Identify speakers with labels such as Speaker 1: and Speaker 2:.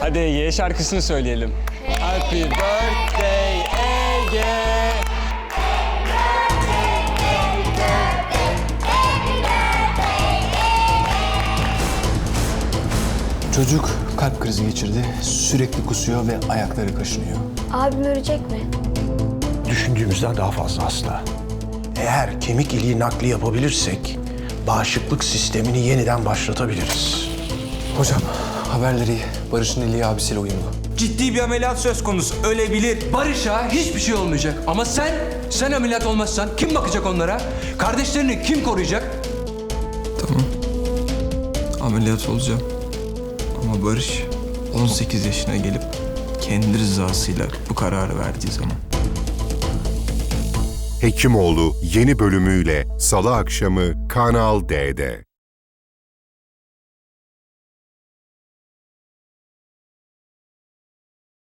Speaker 1: Hadi Ege'ye şarkısını söyleyelim. Happy birthday Ege.
Speaker 2: Çocuk kalp krizi geçirdi, sürekli kusuyor ve ayakları kaşınıyor.
Speaker 3: Abim ölecek mi?
Speaker 4: Düşündüğümüzden daha fazla hasta. Eğer kemik iliği nakli yapabilirsek bağışıklık sistemini yeniden başlatabiliriz.
Speaker 2: Hocam, haberleri iyi. Barış'ın iliği abisiyle uyumlu.
Speaker 5: Ciddi bir ameliyat söz konusu. Ölebilir.
Speaker 6: Barış'a hiçbir şey olmayacak. Ama sen ameliyat olmazsan kim bakacak onlara? Kardeşlerini kim koruyacak?
Speaker 7: Tamam. Ameliyat olacağım. Ama Barış 18 yaşına gelip kendi rızasıyla bu kararı verdiği zaman.
Speaker 8: Hekimoğlu yeni bölümüyle Salı akşamı Kanal D'de.